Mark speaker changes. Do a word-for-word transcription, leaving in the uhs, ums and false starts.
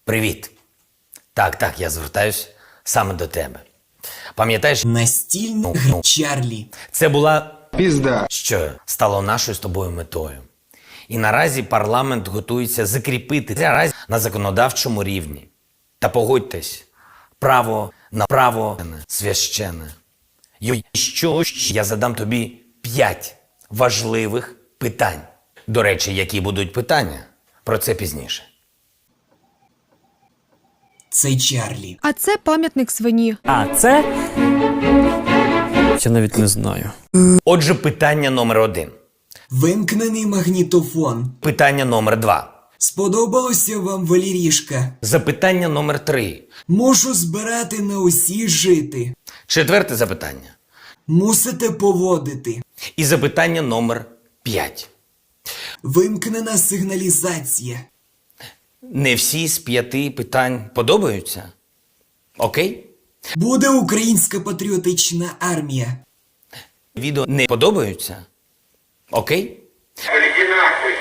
Speaker 1: Привіт. Так, так, я звертаюсь саме до тебе. Пам'ятаєш,
Speaker 2: Настільна
Speaker 1: Ну,
Speaker 2: гра
Speaker 1: ну.
Speaker 2: Чарлі.
Speaker 1: це була
Speaker 3: Пізда.
Speaker 1: що стало нашою з тобою метою. І наразі парламент готується закріпити це раз на законодавчому рівні. Та погодьтесь, право на право священне. І що ж, я задам тобі п'ять важливих питань. До речі, які будуть питання? Про це пізніше.
Speaker 2: Це Чарлі.
Speaker 4: А це пам'ятник свині.
Speaker 5: А це. Я навіть не знаю.
Speaker 1: Отже, питання номер один.
Speaker 2: Вимкнений магнітофон.
Speaker 1: Питання номер два.
Speaker 2: Сподобалося вам Валерішка?
Speaker 1: Запитання номер три.
Speaker 2: Можу збирати на усі жити.
Speaker 1: Четверте запитання.
Speaker 2: Мусите поводити.
Speaker 1: І запитання номер п'ять.
Speaker 2: Вимкнена сигналізація.
Speaker 1: Не всі з п'яти питань подобаються? Окей?
Speaker 2: Буде українська патріотична армія.
Speaker 1: Відео не подобаються? Окей?